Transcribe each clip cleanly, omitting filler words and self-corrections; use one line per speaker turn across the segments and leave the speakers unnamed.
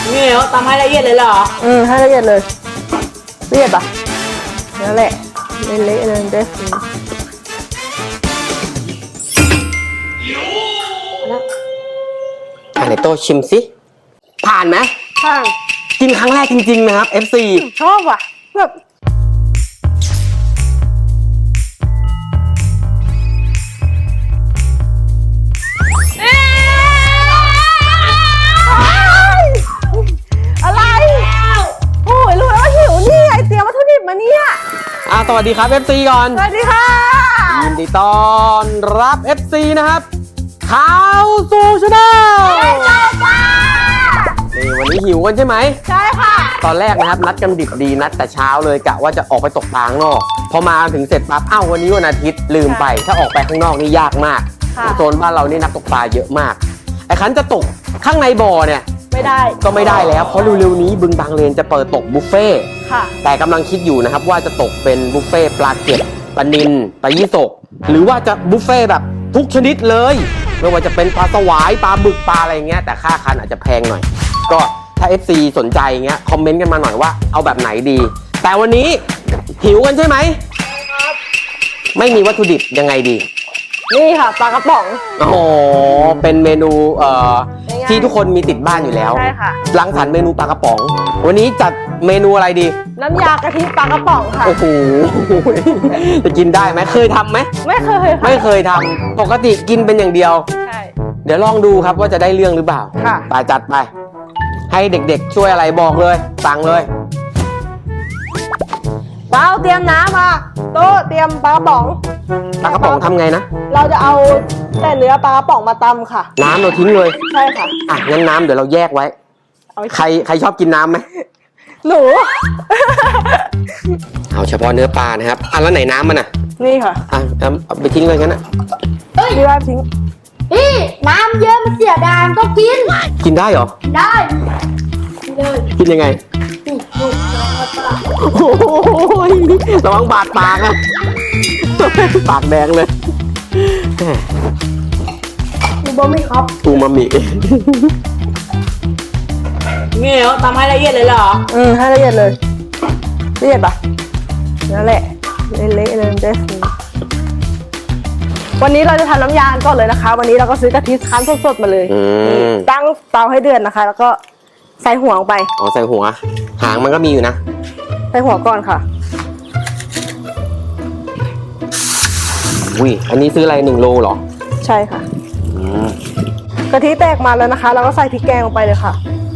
นี่เหรอตำให้ละเอียดเลยเหรอ
ให้ละเอียดเลยละเอียดปะนั่นแหละเละๆเลยเด้
ไหนโตชิมสิผ่านไหม
ผ่าน
กินครั้งแรกจริงๆนะครับ FC
ชอบว่ะแบบอะไรโอ้ยรู้แล้วว่าหิวนี่ไอเตรียมวัตถุดิบมาเนี่ย
สวัสดีครับ FC ก่อน
สวัสดีค่ะ
ยินดีต้อนรับ FC นะครับข่าวสู่ชาแนลนี่วันนี้หิวกันใช่ไหม
ใช่ค่ะ
ตอนแรกนะครับนัดกันดิบดีนัดแต่เช้าเลยกะว่าจะออกไปตกปลาข้างนอกพอมาถึงเสร็จปั๊บวันนี้วันอาทิตย์ลืมไปถ้าออกไปข้างนอกนี่ยากมากโซนบ้านเรานี่นักตกปลาเยอะมากไอ้คันจะตกข้างในบ่อเนี่ย
ไม่ได้
ก็ไม่ได้แล้วเพราะเร็วๆนี้บึงบางเลนจะเปิดตกบุฟเฟ่แต่กำลังคิดอยู่นะครับว่าจะตกเป็นบุฟเฟ่ปลาเก็ดปลานิลปลายี่สกหรือว่าจะบุฟเฟ่แบบทุกชนิดเลยไม่ว่าจะเป็นปลาสวายปลาบึกปลาอะไรเงี้ยแต่ค่าคันอาจจะแพงหน่อยก็ถ้า FC สนใจเงี้ยคอมเมนต์กันมาหน่อยว่าเอาแบบไหนดีแต่วันนี้หิวกันใช่ไหมไม่มีวัตถุดิบยังไงดี
นี่ค่ะปลากระป๋อง
โอ้โหเป็นเมนูที่ทุกคนมีติดบ้านอยู่แล้ว
ใช่ค่ะ
รังสรรค์เมนูปลากระป๋องวันนี้จัดเมนูอะไรดี
น้ำยากะทิปลากระป๋องค่ะ
โอ้โหจะกินได้ไหมเคยทำไหม
ไม่เคย
ไม่เคยทำปกติกินเป็นอย่างเดียว
ใช่
เดี๋ยวลองดูครับว่าจะได้เรื่องหรือเปล่า
ค่ะ
ไปจัดไปให้เด็กๆช่วยอะไรบอกเลยสั่งเลย
เปล่าเตรียมน้ำมาโต๊ะเตรียมปลากระป๋อง
ทำไงนะ
เราจะเอาแต่เนื้อปลากระป๋องมาตำค่ะ
น้ำเราทิ้งเลย
ใช่ค่ะ
งั้นน้ำเดี๋ยวเราแยกไว้ใครชอบกินน้ำไหม
หนู
เอาเฉพาะเนื้อปลานะครับแล้วไหนน้ำมัน
นี่ค่ะ
เอาไปทิ้งเลยงั้น
พี่ว่าทิ้ง
พี่น้ำเยอะมันเสียดายก็กิน
ได้เหรอ
ได้
กินยังไงโอ้ยระวังบาดปากนะปากแดงเลย
อูมามิครับ
อูมามิ
นี่เหรอตำให้ละเอียดเลยเหรอ
ให้ละเอียดเลยละเอียดปะนั่นแหละเละๆเลยเด้วันนี้เราจะทำน้ำยาก่อนเลยนะคะวันนี้เราก็ซื้อกะทิคั้นสดๆมาเลยตั้งเตาให้เดือดนะคะแล้วก็ใส่หัวลงไป
ใส่หัวหางมันก็มีอยู่นะ
ใส่หัวก่อนค่ะ
อันนี้ซื้ออะไร1 โลเหรอ
ใช่ค่ะกะทิแตกมาแล้วนะคะเราก็ใส่พริกแกงลงไปเลยค่ะ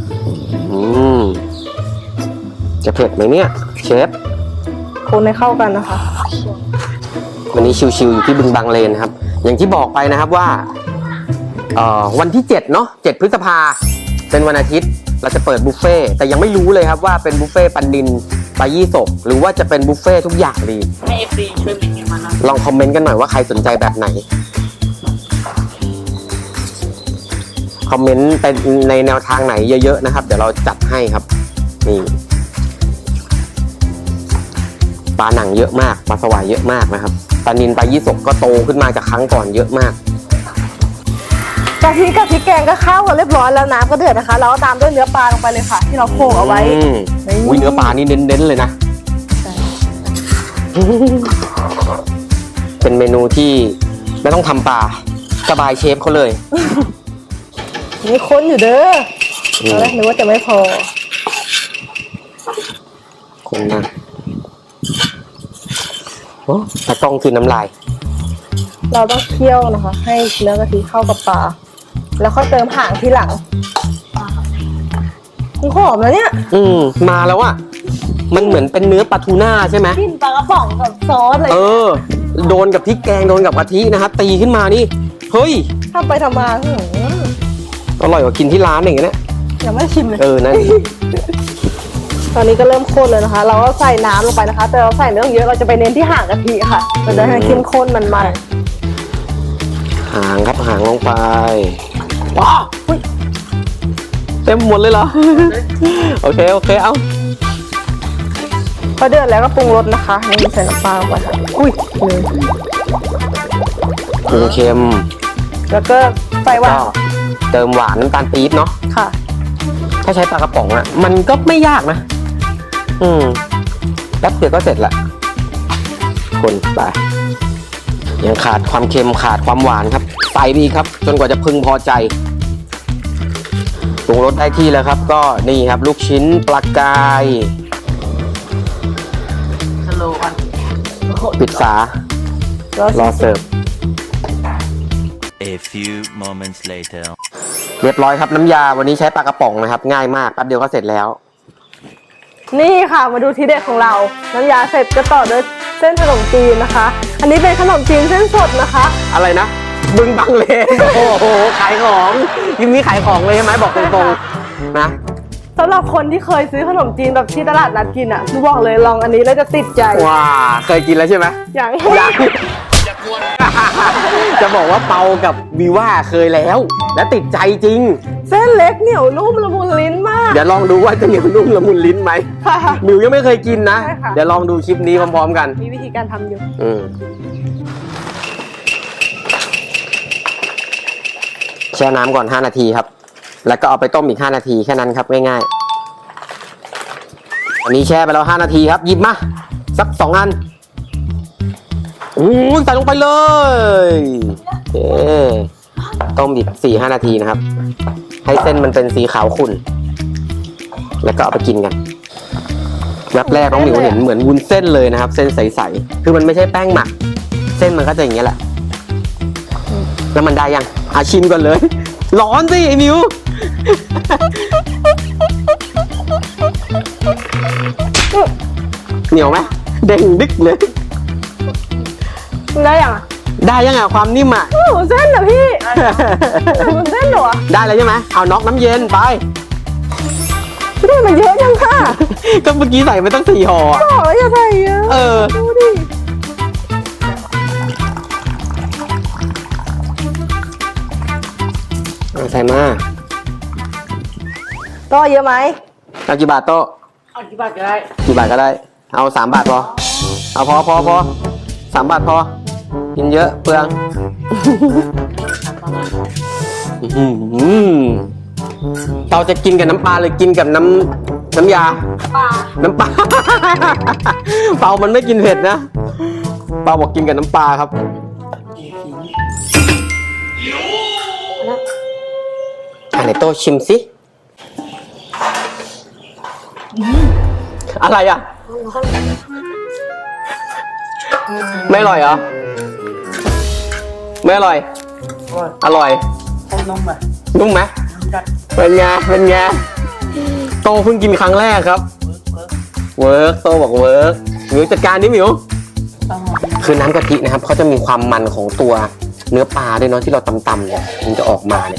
จะเผ็ดไหมเนี่ยเชฟ
คนให้เข้ากันนะคะ
วันนี้ชิวๆอยู่ที่บึงบางเลนครับอย่างที่บอกไปนะครับว่าวันที่7เนาะ7 พฤษภาเป็นวันอาทิตย์เราจะเปิดบุฟเฟ่แต่ยังไม่รู้เลยครับว่าเป็นบุฟเฟ่ปลานิลปลายี่สกหรือว่าจะเป็นบุฟเฟ่ทุกอย่างดี
ให้ FC ช่วยเมนต์มา
ลองคอมเมนต์กันหน่อยว่าใครสนใจแบบไหนคอมเมนต์ไปในแนวทางไหนเยอะๆนะครับเดี๋ยวเราจัดให้ครับนี่ปลาหนังเยอะมากปลาสวายเยอะมากนะครับปลานิลปลายี่สกก็โตขึ้นมาจากครั้งก่อนเยอะมาก
กะทิกับพริกแกงก็เข้ากันเรียบร้อยแล้วน้ำก็เดือดนะคะเราก็ตามด้วยเนื้อปลาลงไปเลยค่ะที่เราโขลกเอาไว้
เนื้อปลานี่เน้นๆเลยนะเป็นเมนูที่ไม่ต้องทำปลาสบายเชฟเขาเลย
นี่ค้นอยู่เด้อนึกว่าจะไม่พอ
คนนะโอ้ตะกล้องคือน้ำลาย
เราต้องเคี่ยวนะคะให้เนื้อกะทิเข้ากับปลาแล้วค่อยเติมหางทีหลังมันหอมแล้วเนี่ย
มาแล้วอ่ะมันเหมือนเป็นเนื้อปลาทูน่าใช่ไหม
กินปลากระป๋องกับซอสเลย
โดนกับพริกแกงโดนกับกะทินะครับตีขึ้นมานี่เฮ้ย
ทำไปทำมา
อร่อยกว่ากินที่ร้านอย่างเงี้ย
ยังไม่ชิมเลย
นั่น
ตอนนี้ก็เริ่มข้นเลยนะคะเราก็ใส่น้ำลงไปนะคะแต่เราใส่เนื้อเยอะเราจะไปเน้นที่หางกะทิค่ะมันจะให้เข้มข้นมัน
หางครับหางลงไปว้าวเต็มหมดเลยเหรอโอเคเอา
พอเดือดแล้วก็ปรุงรสนะคะนี่ใส่น้ำปลาลงไป
ปรุงเค็ม
แล้วก็ใส่หวาน
เติมหวานน้ำตาลปี๊บเนาะ
ค่ะ
ถ้าใช้ปลากระป๋องอะมันก็ไม่ยากนะแป๊บเดียวก็เสร็จละคนไปยังขาดความเค็มขาดความหวานครับใส่ไปอีกครับจนกว่าจะพึงพอใจปรุงรสได้ที่แล้วครับก็นี่ครับลูกชิ้นปลากาย
สโลว์กัน
ปิดฝา รอเสิร์ฟ
A few moments later.
เรียบร้อยครับน้ำยาวันนี้ใช้ปลากระป๋องนะครับง่ายมากแป๊บเดียวก็เสร็จแล้ว
นี่ค่ะมาดูทีเด็ดของเรา น้ำยาเสร็จก็ต่อด้วยเส้นขนมจีนนะคะ อันนี้เป็นขนมจีนเส้นสดนะคะ
อะไรนะบึงบังเลน โอ้โหขายของยิมนี้ขายของเลยใช่ไหมบอกตรงๆนะ
สำหรับคนที่เคยซื้อขนมจีนแบบที่ตลาดนัดกินอ่ะคือบอกเลยลองอันนี้แล้วจะติดใจ
ว้าเคยกินแล้วใช่ไหม
อย่าง
ยังจะบอกว่าเปากับวีว่าเคยแล้ว และติดใจจริง
เส้นเล็กเหนียวนุ่มละมุนลิ้นมาก
เดี๋ยวลองดูว่าจะเหนียวนุ่มละมุนลิ้นไหม
ค่ะ
มิวยังไม่เคยกินนะ
ใช่ค่ะ
เดี๋ยวลองดูคลิปนี้พร้อมๆกัน
มีวิธีการทำอยู่
แช่น้ำก่อน5 นาทีครับ แล้วก็เอาไปต้มอีก5 นาทีแค่นั้นครับง่ายๆอันนี้แช่ไปแล้ว5 นาทีครับหยิบมาสัก2 อันใส่ลงไปเลยโอเคต้มอีก4-5 นาทีนะครับ ให้เส้นมันเป็นสีขาวขุ่นแล้วก็เอาไปกินกันแวบแรกน้องหมิวเห็นเหมือนวุ้นเส้นเลยนะครับ เส้นใสๆคือมันไม่ใช่แป้งหมัก เส้นมันก็จะอย่างเงี้ยแหละแล้วมันได้ยังชิมก่อนเลย ร้อนสิไอ้มิว เหนียวไหมเด้งดึกเลย
ได้ยังอ่ะ
ได้ยังความนิ่มอ่ะ
โอ้โหเส้นเหรอพี่มันเส้นเหรอ
ได้แล้วใช่ไหมเอาน็อกน้ำเย็นไป
นี่มันเยอะจังค่ะ
ก็เมื่อกี้ใส่ไปตั้ง4 ห่ออะ
โอ้ยอย่าใส่เยอะ ดูดิ
ใส่มา
ก็เยอะไหม
เอากี่บาทโต๊ะ
เอากี่บาทก็ได้
กี่บาทก็ได้ เอา3 บาทพอ เอาพอ3 บาทพอ กินเยอะเปลืองเราจะกินกับน้ำปลาหรือกินกับน้ำยา น้ำปลา เปามันไม่กินเผ็ดนะ เปาบอกกินกับน้ำปลาครับ ไหนโตชิมสิอะไรอ่ะ ไม่อร่อยเหรอ ไม่อร่อย อร่อย
ต้มนมไป
นุ่มไหม
จัด
เป็นไง เป็นไง โตเพิ่งกินครั้งแรกครับ เวิร์กโตบอกเวิร์กหมิวจัดการดิหมิว
ต้อง
คือน้ำกะทินะครับเขาจะมีความมันของตัวเนื้อปลาด้วยเนาะที่เราตำๆเนี่ยมันจะออกมาเนี่ย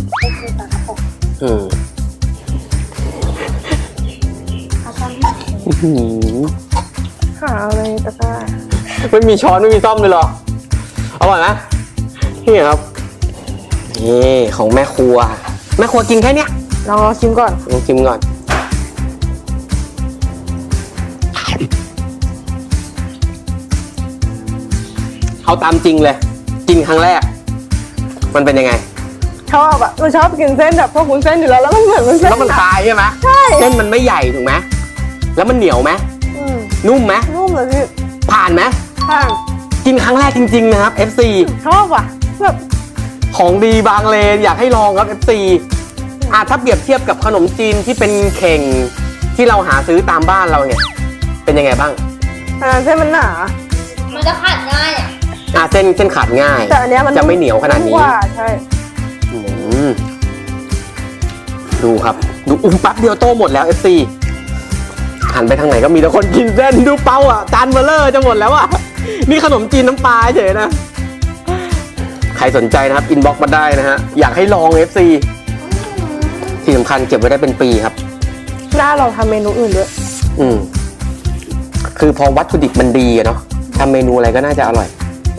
หาอะไรตะกร้า
ไม่มีช้อนไม่มีซ่อมเลยเหรออร่อยไหมนี่ครับนี่ของแม่ครัว แม่ครัวกินแค่เนี้ย
ลองชิมก่อน
ลองชิมก่อนเอาตามจริงเลย กินครั้งแรก มันเป็นยังไง
ชอบอ่ะเราชอบกินเส้นแบบพวกวุ้นเส้นอยู่แล้วแล้วมันเหมือนวุ้นเส้น
แล้วมันคลายใช่ไหม
ใช่
เส้นมันไม่ใหญ่ถูกไหมแล้วมันเหนียวไหม นุ่มไหม
นุ่มเลยพี่
ผ่านไหม
ค่ะ
กินครั้งแรกจริงๆนะครับ FC
ชอบว่ะแบบ
ของดีบางเลนอยากให้ลองครับ FC ถ้าเปรียบเทียบกับขนมจีนที่เป็นเข่งที่เราหาซื้อตามบ้านเราเนี่ย เป็นยังไงบ้าง
เส้นมันหนา
มันจะขาดง่ายอ่ะ
เส้นขาดง่าย
แต่อันเนี้ยมัน
จะไม่เหนียวขนาดนี้
กว่าใช่
อืมดูครับดูแป๊บเดียวโตหมดแล้ว FC หันไปทางไหนก็มีแต่คนกินเส้นดูเป้าอ่ะจานเบลเลอร์จะหมดแล้วอ่ะนี่ขนมจีนน้ำปลาเฉยนะ ใครสนใจนะครับอินบ็อกซ์มาได้นะฮะอยากให้ลอง FC ที่สำคัญเก็บไว้ได้เป็นปีครับ
น่าลองทำเมนูอื่นด้วย
คือพอวัตถุดิบมันดีอะเนาะทำเมนูอะไรก็น่าจะอร่อย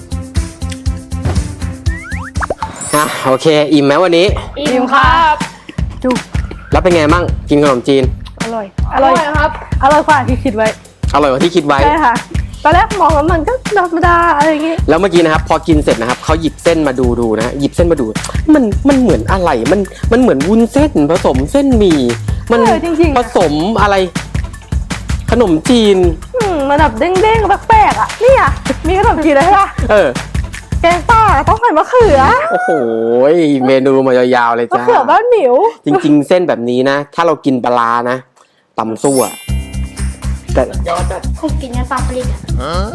โอเค อิ่มไหมวันนี้
อิ่มครับจุก
แล้วเป็นไงบ้างกินขนมจีน
อร่อย อร่อยครับ อร่อยกว่าที่คิดไว้
อร่อยกว่าที่คิดไว้
ใช่ค่ะ ตตอนแรกมองแล้วมันก็ธรรมดาอะไรอย่างงี้
แล้วเมื่อกี้นะครับพอกินเสร็จนะครับเขาหยิบเส้นมาดูนะหยิบเส้นมาดูมันเหมือนอะไรมันเหมือนวุ้นเส้นผสมเส้นหมี่มัน
จริงๆ
ผสมอะไร ขนมจีน
มันแบบเด้งๆแปลกๆอ่ะนี่อ่ะมีขนมจีนอะไรป่ะ แกงป่าต้องใส่มะเขือ
โอ้โหเมนูมายาวๆเลย
มะ
จ้า
เขือบ้านหมิว
จริงๆ เส้นแบบนี้นะ ถ้าเรากินปลาร้านะตำซั่วแต่
ยอดจัด
ผมกินในปลาผลิตอ่ะ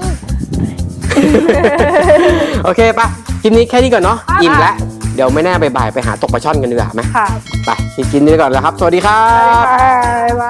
โอเคปะคลิปนี้แค่นี้ก่อนเนาะอิ่มแล้วเดี๋ยวไม่แน่บ่ายๆไปหาตกปลาช่อนกันดีกว่าไหม
ค่ะ
ไปกินนี้ก่อนแล้วครับ สวัสดีครับ
บ๊ายบาย